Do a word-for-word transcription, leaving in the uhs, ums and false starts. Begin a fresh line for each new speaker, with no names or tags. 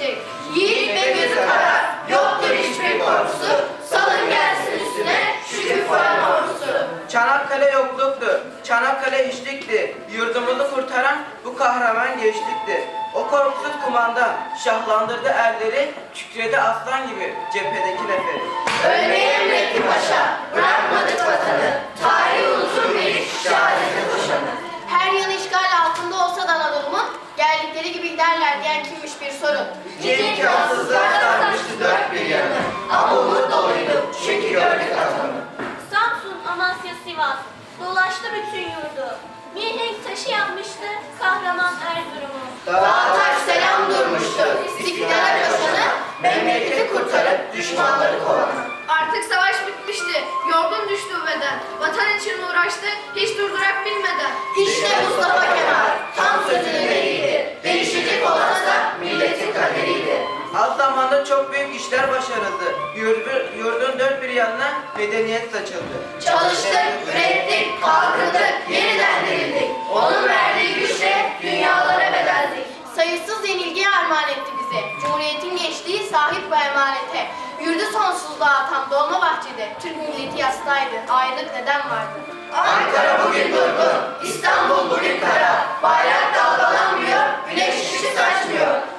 geçecek. Yiğit ve gözü kara, yoktur hiçbir korkusu. Salın gelsin üstüne şu küffarın ordusu.
Çanakkale yokluktu, Çanakkale hiçlikti. Yurdumuzu kurtaran bu kahraman gençlikti. O korkusuz kumandan şahlandırdı erleri, kükredi aslan gibi cephedeki neferi.
Ölmeyi emretti paşa, bırakmadık vatanı. Tarih unutur bir şehadete koşanı. Her yanı işgal altında olsa da Anadolu'nun, geldikleri gibi giderler diyen kimmiş bir sorun.
Nice imkansızlar sarmıştı dört bir yanı, ama umut doluydu çünkü gördük atanı.
Samsun, Amasya, Sivas dolaştı bütün yurdu. Mihenk taşı yapmıştı kahraman Erzurum'u.
Dağ taş selam durmuştu, istiklal koşanı, memleketi kurtarıp düşmanları kovanı.
Artık savaş bitmişti, yorgun düştü beden. Vatan için uğraştı, hiç durdurak bilmeden.
İşte Mustafa Kemal, tam sözünün eriydi. Değişecek olansa milletin kaderiydi.
Az zamanda çok büyük işler başarıldı. Yurdu- Yurdun dört bir yanına medeniyet saçıldı.
Çalıştık, ürettik, kalkındık, yeniden dirildik. Onun verdiği güçle dünyalara bedeldik. Sayısız yenilgiye armağan etti bize. Cumhuriyetin gençliği sahip bu emanete. Yurdu sonsuzluğa atan dolma bahçede. Türk milleti yastaydı. Ayrılık neden vardı? Ankara bugün durgun, İstanbul bugün kara. Bayrak dalgalanmıyor, güneş ışık saçmıyor.